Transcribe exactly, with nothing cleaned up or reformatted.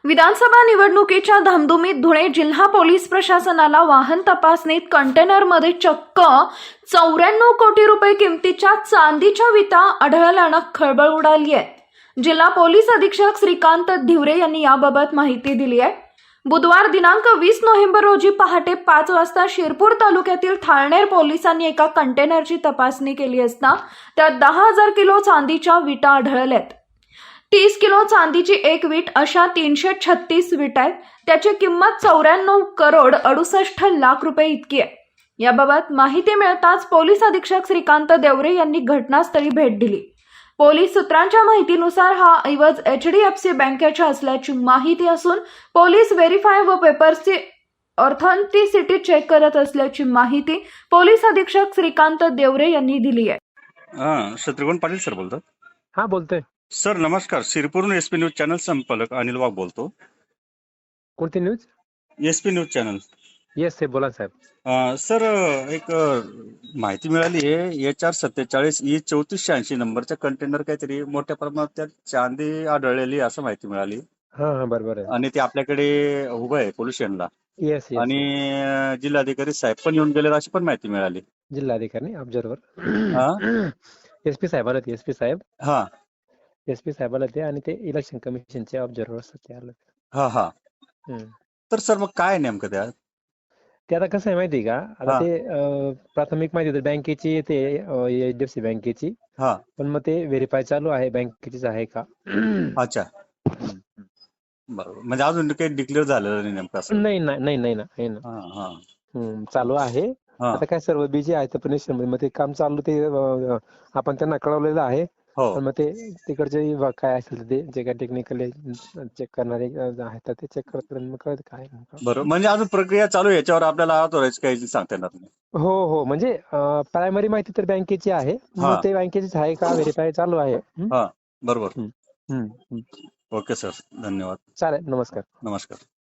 विधानसभा निवडणुकीच्या धामधुमीत धुळे जिल्हा पोलीस प्रशासनाला वाहन तपासणीत कंटेनरमध्ये चक्क चौऱ्याण्णव कोटी रुपये किमतीच्या चांदीच्या विटा आढळल्यानं खळबळ उडाली आहे। जिल्हा पोलीस अधीक्षक श्रीकांत धिवरे यांनी याबाबत माहिती दिली आहे। बुधवार दिनांक वीस नोव्हेंबर रोजी पहाटे पाच वाजता शिरपूर तालुक्यातील थाळनेर पोलिसांनी एका कंटेनरची तपासणी केली असता त्यात दहा हजार किलो चांदीच्या विटा आढळल्यात। तीस किलो चांदीची एक वीट अशा तीनशे छत्तीस विटा आहेत। त्याची किंमत चौऱ्याण्णव करोड अडुसष्ट लाख रुपये इतकी आहे। याबाबत माहिती मिळताच पोलीस अधीक्षक श्रीकांत देवरे यांनी घटनास्थळी भेट दिली। पोलीस सूत्रांच्या माहितीनुसार हा ऐवज एच डी एफ सी बँकेचा असल्याची माहिती असून पोलीस व्हेरीफाय व पेपर्सची ऑथेंटिसिटी चेक करत असल्याची माहिती पोलीस अधीक्षक श्रीकांत देवरे यांनी दिली आहे। हा शत्रुघ्न पाटील सर बोलतात। हा बोलतोय सर नमस्कार, शिरपूर एसपी न्यूज चॅनल संपादक अनिल वाघ बोलतो। कोणती news? SP news channel. Yes साहेब, बोला साहेब। अं, सर एक अं, माहिती मिळाली आहे एच आर सत्तेचाळीस ई चौतीसशे ऐंशी नंबरच्या कंटेनर काहीतरी मोठ्या प्रमाणात त्यात चांदी आढळलेली असं माहिती मिळाली। हा हा बरोबर आहे। आणि ते आपल्याकडे उभं आहे पोलीस स्टेशनला। येस येस आणि अं, जिल्हाधिकारी साहेब पण येऊन गेले अशी पण माहिती मिळाली। जिल्हाधिकारी ऑब्झर्वर हा एसपी साहेबाला ते एसपी साहेब हा एसपी साहेबाला ते आणि ते इलेक्शन कमिशनचे ऑब्झर्वर असतात ते आलं। हा हा हम्म. तर सर मग काय नेमकं त्यात? ते आता कसं आहे माहिती का, आता हा. ते अं, प्राथमिक माहिती होती बँकेची, ते एच डी एफ सी बँकेची, हा पण मग ते व्हेरीफाय चालू आहे बँकेचीच आहे का। अच्छा, बरोबर। म्हणजे अजून काही डिक्लेअर झालेलं नाही नेमकं असं? नाही नाही नाही नाही ना नाही ना हा हा हम्म, चालू आहे। हा आता काय सर्व बिझी आहे तर पण मग ते काम चालू, ते अं, आपण त्यांना कळवलेलं आहे। हो पण मग ते तिकडचे विभाग काय असेल ते जे काय टेक्निकली चेक करणारे आहेत तर ते चेक करतात आणि मग कळत काय नेमकं। बरोबर। म्हणजे अजून प्रक्रिया चालू आहे, याच्यावर आपल्याला ऑथोराइज काही सांगता येणार नाही। हो हो, म्हणजे प्रायमरी माहिती तर बँकेची आहे, हा. मग ते बँकेचीच आहे का व्हेरीफाय चालू आहे। हम्म? हा बरोबर। हम्म, हम्म, हम्म. ओके सर, धन्यवाद। चालेल, नमस्कार। नमस्कार।